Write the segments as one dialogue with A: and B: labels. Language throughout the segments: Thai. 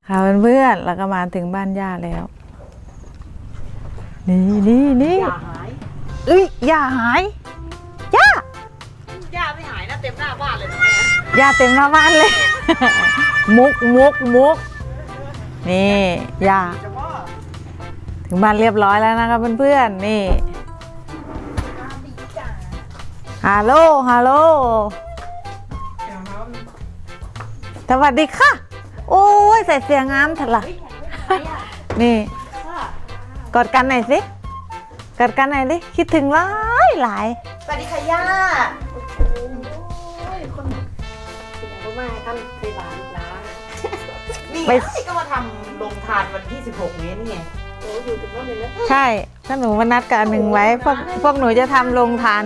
A: ค่ะเพื่อนๆแล้วก็มาถึงบ้านย่าแล้วนี่
B: อย่าหาย
A: ย่าหายย่า
B: ย่าไม่หายนะเต็มหน้าบ้านเลยนะแม่
A: ย่าเต็มหน้าบ้านเลย มุกนี่ย่า
B: จะว่า
A: ถึงบ้านเรียบร้อยแล้วนะครับเพื่อนๆนี่ฮัลโหลสวัสดีค่ะโอ้ยใส่เสียงงามถัดละนี่กอดกันหน่อยสิกอดกันหน่อยดิคิดถึงหลาย
B: สวัสดีค่ะย่าโอ้ยคนก็มาท่านไปบ้านลูกหลานนี่ไงก็มาทำโรงทานวันที่16นี้นี่ไงโอ้อยู่ถึงโน่นเลยนะ
A: ใช่ถ้าหนูมานัดกันหนึ่งไว้พวกหนูจะทำโรงทาน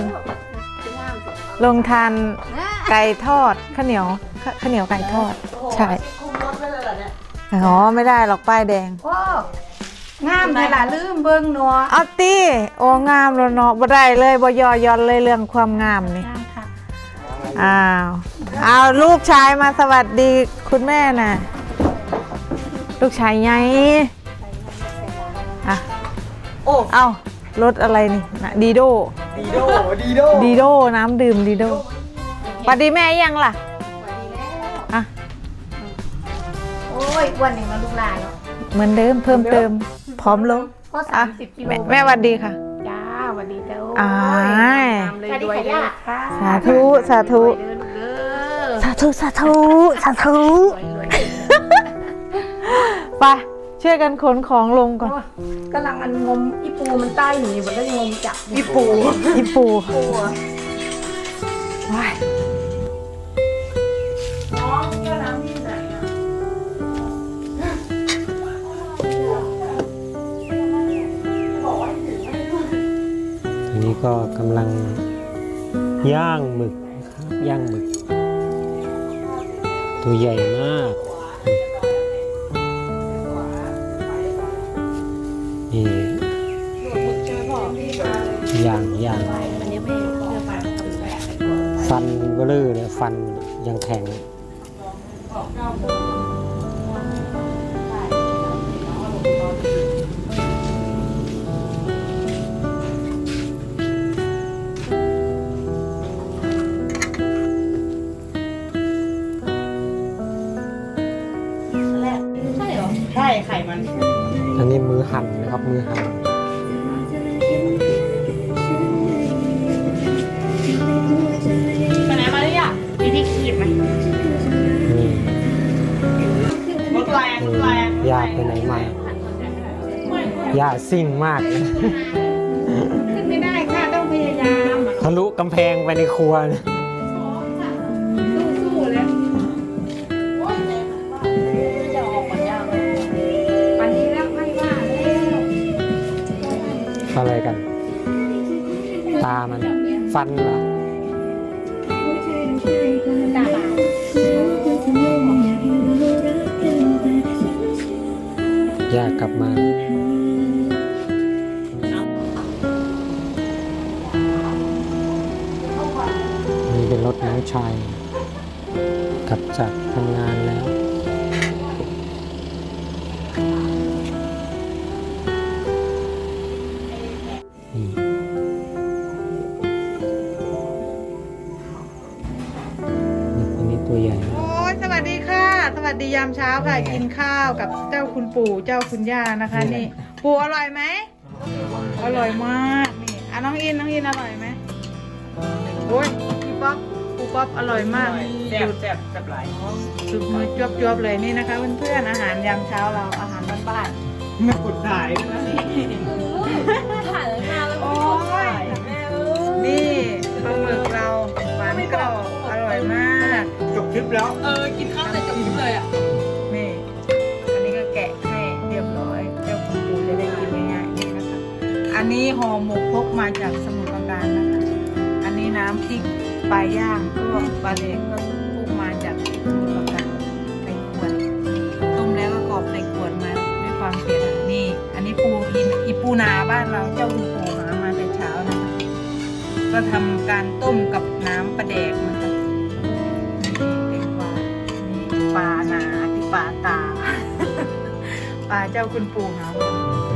A: ไก่ทอดข้าวเหนียวไก่ทอดใช่
B: คุมรถไว้เลยเหรอเนี่ย
A: อ๋อไม่ได้หรอกป้ายแดง
B: โอ้งามเลยล่ะลืมเบิ้งนัว
A: เอาตีโอ้งามแล้วเนาะบ่ได้เลยบ่ยอย่อนเลยเรื่องความงามนี่
B: งามค่ะ
A: เอาลูกชายมาสวัสดีคุณแม่น่ะลูกชายไงอ่ะ
B: โอ้
A: เอารถอะไรนี่นะดีโดน้ำดื่มดีโดสวัสดีแม่ยังล่ะ
B: สวัสดีแล้ว
A: อ่ะ
B: โอ้ยวันหนึ่งมาลูกหลานแล้ว
A: เหมือนเดิมเพิ่มเติมพร้อมลง
B: ก็
A: อ่ะ
B: 30 กิโล
A: แม่สวัสดีค่ะ
B: จ้าสวัสดีเจ้า
A: อ่า
B: ตามเลยด้วยเด้อค่ะ
A: สาธุ
B: รวยเด้อลูกเด้อ
A: สาธุ
B: รวย
A: ไปช่วยกันขนของลงก่อน
B: กำลังมันงมอีปูมันใต้หนีมันก็ยังงมจับอีปู
A: อีปู
B: ปูอะ
A: ว้าย
B: น้องก็น้ำที่ไหนอ่ะ
C: ทีนี้ก็กำลังย่างหมึกนะครับย่างหมึก ตัวใหญ่มากนี่ย่าง
B: อันนี้ไม่เพื่อมาทำแบบ
C: ฟันเบลอเลยฟันยังแข็ง
B: ใช่ไข่มัน
C: อันนี้มือหั่นนะครับมือหั่น
B: ไปไหนมาเนี่ยมีที่ขีดไหม
C: นี่
B: รถแรงรถแรง
C: ย่าไปไหนมาย่าซิ่งมากนะ
B: ขึ้นไม่ได้ค่ะต้องพยายาม
C: ทะลุกำแพงไปในครัวนะ
B: สู้ๆเลยโอ๊ยจะออกก่อนยาวเลยวันนี้แล้วไม่ว่าแล้ว
C: อะไรกัน ตามันฟันเหรอ
B: ตาบาด
C: ย่ากลับมานี่เป็นรถน้องชายกลับจากทำงานแล้วนี่อันนี้ตัวใหญ่นะ
A: โอ้ยสวัสดีค่ะ สวัสดียามเช้าค่ะ กินข้าวกับเจ้าคุณปู่เจ้าคุณย่านะคะ นี่ปู่อร่อยไหมอร่อยมากนี่อ่ะน้องอินอร่อยไหมโอ้ยพี่ป๊อปปู่ป๊อปอร่อยมาก
B: แซ่บแซ่บแซ่บหลาย
A: สุดมือจวบๆเลยนี่นะคะเพื่อนๆอาหารยามเช้าเราอาหารบ้าน
B: ไม่กดถ่ายนะ
A: ๆถ่ายแล้วมาแล้วโอ้ยนี่ปลาหมึกเราหวานกรอบอร่อยมาก
B: จบคลิปแล้ว
A: กินข้าวแต่จบเลยอ่ะนี่อันนี้ก็แกะให้เรียบร้อยเจ้าคุณปู่จะได้กินง่ายๆนี่นะคะอันนี้ห่อหมกพกมาจากสมุทรปราการนะคะอันนี้น้ำพริกปลาย่างก็ปลาเด็กก็พกมาจากสมุทรปราการในขวดต้มแล้วก็กรอบในขวดมาด้วยความเพียรนี่ อันนี้ปูอีปูนาบ้านเราเจ้าคุณปู่หามาแต่เช้านะคะก็ทำการต้มกับน้ำปลาแดกนะคะนี่เป็นปลานี่ปลานาที่ปลาตาปลาเจ้าคุณปู่หาว่า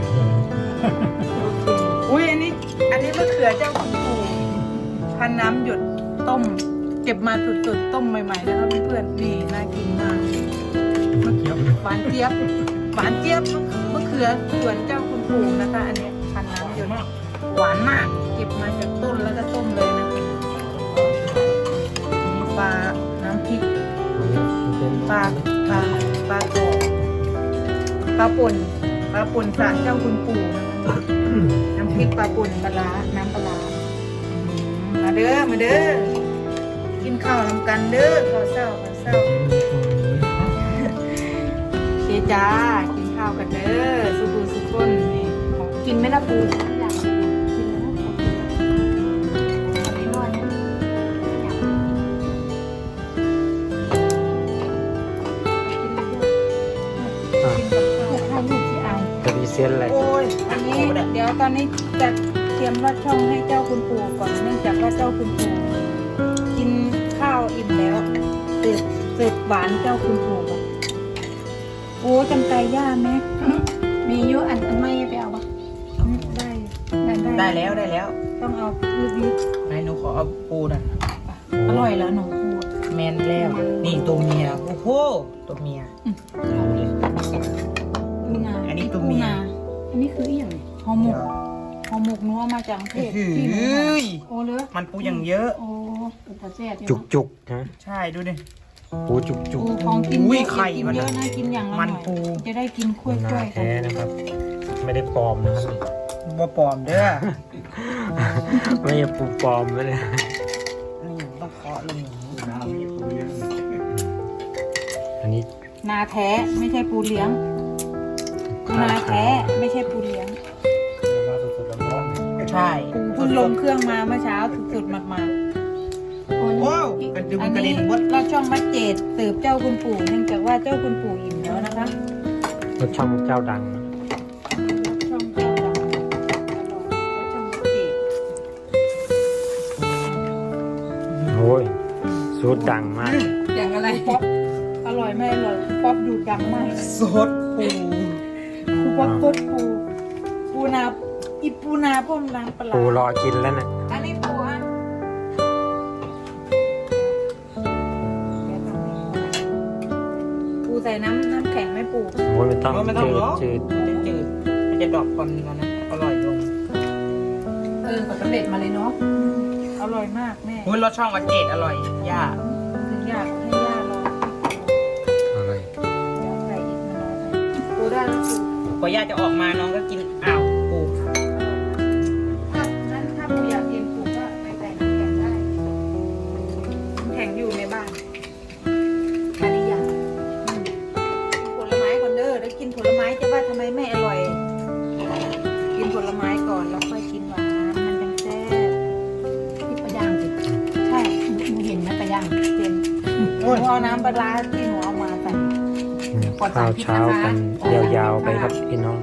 A: อุ้ยอันนี้มะเขือเจ้าคุณปู่พันน้ำหยดต้มเก็บมาสดๆต้มใหม่ๆนะคะเพื่อนๆนี่น่ากินมากหวานเจี๊ยบมะเขือสวนเจ้าคุณปู่นะคะอันนี้พันน้ำหยดหวานมากเก็บมาจากต้นแล้วก็ต้มเลยนะนี่ปลาน้ำพริกปลากรอบปลาป่นสารเจ้าคุณปู่นะคะน้ำพริกปลาป่นปลาร้าน้ำปลาร้ามาเด้อกินข้าวนำกันเด้อข้าวเศร้าเชียจ้ากินข้าวกันเด้อสุกคนนี่กินไหมล่ะปูอยากกินแล้วอันนี้นวดนะ
C: จะมีเส้นอะไร
A: โอ้ยอันนี้เดี๋ยวตอนนี้จะเตรียมลอดช่องให้เจ้าคุณปู่ก่อนเนื่องจากว่าเจ้าคุณปู่กินข้าวอิ่มแล้วเสิร์ฟหวานเจ้าคุณปู่ก่อนโอ้จำไก่ย่าไหมมีเยอะอันไม่ไปเอาปะได้แล้วต้องเอาลึก
B: ไหนหนูขอเอาปูนะ
A: ๆอร่อยแล้วหนูปู
B: แมนแล้วนี่ตัวเมียโอ้โหตัวเมียเอาเลย
A: ปูนา
B: อันนี้ตัวเมีย
A: อันนี้คืออีหยังห่อหมกนัวมาจากประเทศที่หนูโอ้เลย
B: มันปูอย่างเยอะ
A: โอ้แต่แซ่บ
C: จุกนะ
B: ใช่ดูดิ
C: ปูจุก
A: ปูของกิน
B: อุ้
A: เย
B: ย
A: อะ
B: ไข่
A: กิน
B: มัน
A: เยอะนะกินอย่างละห
B: มั
A: น่
B: น
A: อย
B: ปู
A: จะได้กินคุ้ยๆกัน
C: แท้นะครับ ไม่ได้ปลอมนะครับ
B: บ่ปลอมเด้อ
C: ไม่ใช่ปูปลอมไม่เลย
B: นี่ต้องเคาะลงอย่างนี้
C: อันนี้
A: นาแท้ไม่ใช่ปูเลี้ยงนาแท้ไม่ใช่ปูเลี้ยง
B: ใช่
A: ปูเพิ่งลงเครื่องมาเมื่อเช้าสุดๆมากๆ
B: ว้าวกระดึง
A: อัน
B: กระ
A: นี้
B: เด็นวัด
A: เราช่องมัดเจดสืบเจ้าคุณปู่เนื่องจากว่าเจ้าคุณปู่อิ่มแล้วนะคะ
C: รสช่องเจ้าดังนะ
A: ช่องเจ้าดังแล้วช่องมัดเจด
C: โอ้ยสูตรดังมาก
A: อย่างอะไรป๊อปอร่อยไม่อร่อยป๊อปดูดดังมาก
B: สดปู
A: คูป๊อปสดปูนาอีปูนาพ่มน้ำปลา
C: ปูรอกินแล้วนะ
A: อันนี้ปูอ่ะปูใส่น้ำแข็งไหม่ปู
C: โอ้ยไม่ต้อง
B: ไม่ต้องหรอก
C: จืด
B: มันจะจืดมันจะดรอปความมันนะอร่อยลง
A: ก็สำเร็จมาเลยเนาะอร่อยมากแม่
B: อุ้ยรสช่องวัดเจดอร่อยย่า
A: ถึงอยากให้ย่าลอง
C: อะไร
A: ใส่อีกน้อยปูได้แล้วปู
B: พอย่าจะออกมาน้องก็กินอ้าวปู
A: ถ้าปูอยากกินปูก็ไปใส่น้ำแข็งได้น้ำแข็งอยู่ในบ้านแค่นี้อย่างผลไม้ก่อนเด้อแล้วกินผลไม้จะว่าทำไมไม่อร่อย กินผลไม้ก่อนแล้วค่อยกินหวานมันจังแซ่บที่ปลาย่างสิใช่หนูเห็นไหมปลาย่างเห็นหนูเอาน้ำปลาร้าที่หนูเอามาใส่
C: ข้าวเช้ากันยาวๆไปครับพี่น้อง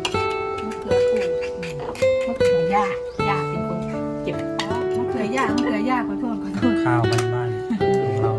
A: มะเขือปู่มะเขือย่าเป็นคนเก็บมะเขือย่าขอโทษ
C: ข้าวบ้านๆของเรา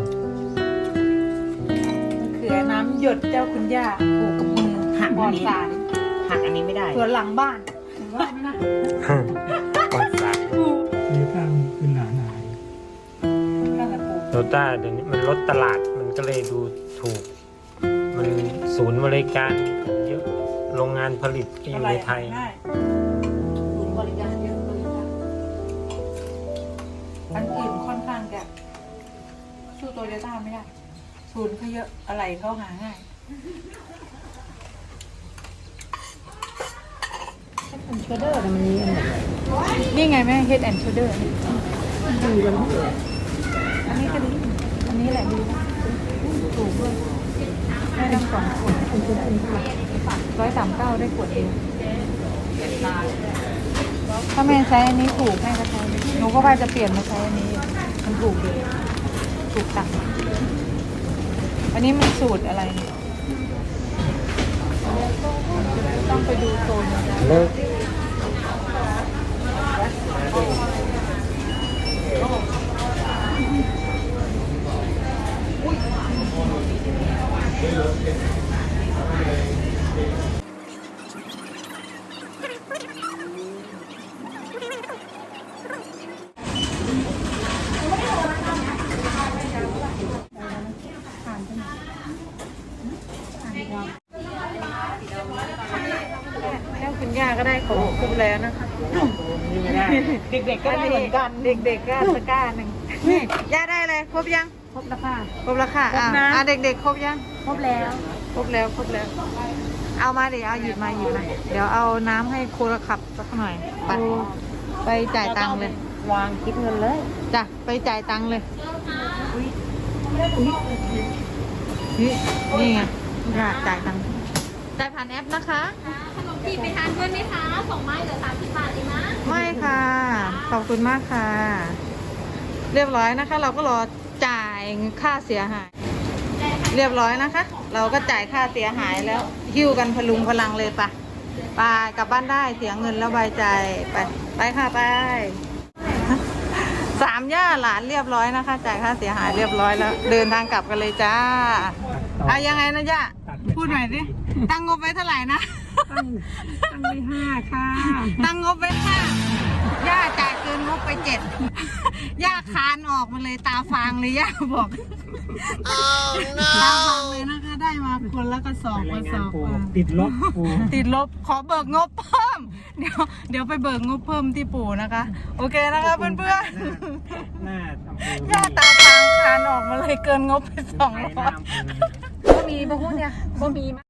A: มะเขือน้ำหยดเจ้าคุณย่าปลูกกับมือปลอดสาร
B: หักอันนี้ไม่ได้
A: สวนหลังบ้านเห็นว่าไหมนะ
C: ปลอดสาร
D: นี่ตั้งขึ้นหนาหนา
A: นั่นแหละปลูก
C: โตต้าเดี๋ยวนี้มันลดตลาดมันก็เลยดูถูก มันศูนย์บริการเยอะโรงงานผลิตที่อยู่ในไทย
A: ได้ศูนย์บริการเยอะเลยค่ะอันอื่นค่อนข้างจะสู้โตโยต้าไม่ได้ศูนย์เขาเยอะอะไรเขาหาง่าย
B: เป็นเชดเดอร์มันมีอันไหน
A: นี่ไงแม่ Head and Shoulder
B: ดีกันทุกอย่าง
A: อันนี้ก็ดีอันนี้แหละดีนะถูกด้วยได้ทั้งสองขวด139ได้ขวดเองถ้าแม่ใช้อันนี้ถูกแม่ก็ใช้หนูก็ว่าจะเปลี่ยนมาใช้อันนี้มันถูกดีถูกตังค์อันนี้มันสูตรอะไรเนี่ยต้องไปดูโซนนะ
C: เลิก
A: รบแล้วนะคะ
C: นี่ไม่ได้
B: เด็กๆก็ได้เหมือนกัน
A: เด็กๆก็ตะกร้าหนึ่งนี่ย่าได้เลยครบยัง
B: ครบแล้วค่ะ
A: ครบแล้วค่ะ
B: ครบนะ
A: เด็กๆครบยัง
B: ครบแล้ว
A: ครบแล้วครบแล้ว เอามาดิเอาหยิบมาหยิบมาเดี๋ยวเอาน้ำให้ครูขับสักหน่อยไปจ่ายตังค์เลย
B: วางคิดเงินเลย
A: จ้ะไปจ่ายตังค์เลยนี่ไงย่าจ่ายตังค์จ่ายผ่านแอปนะคะ
E: ขนมจีบไปทานด้วยไหมคะ2 ไม้เหลือ30 บาทเองนะ
A: ไม่ค่ะ ขอบคุณมากค่ะ เรียบร้อยนะคะ เราก็รอจ่ายค่าเสียหาย เรียบร้อยนะคะ เราก็จ่ายค่าเสียหายแล้วหิ้วกันพลุงพลังเลยปะไปกลับบ้านได้เสียเงินแล้วใบใจไปค่ะไป3 ย่าหลานเรียบร้อยนะคะ จ่ายค่าเสียหายเรียบร้อยแล้ว เดินทางกลับกันเลยจ้าเอายังไงนะย่าพูดหน่อยสิตั้งงบไว้เท่าไหร่นะ
B: ตั้งไว้5ค่ะ
A: ตั้งงบไว้5ย่าจ่ายเกินงบไป7ย่าคานออกมาเลยตาฟางเลยย่าบอกตาฟางเลยนะคะ ได้มาคนละกระสอบกระสอบ
D: ติดลบปู
A: ติดลบขอเบิกงบเพิ่ม เดี๋ยวไปเบิกงบเพิ่มที่ปู่นะคะ โอเคนะคะเพื่อน
C: หน้าอำเภอ
A: ๆย่าตาฟางคานออกมาเลยเกินงบไป200
C: หน้าอำเภอ
B: บ่มีบ่ฮู้เนี่ยบ่มี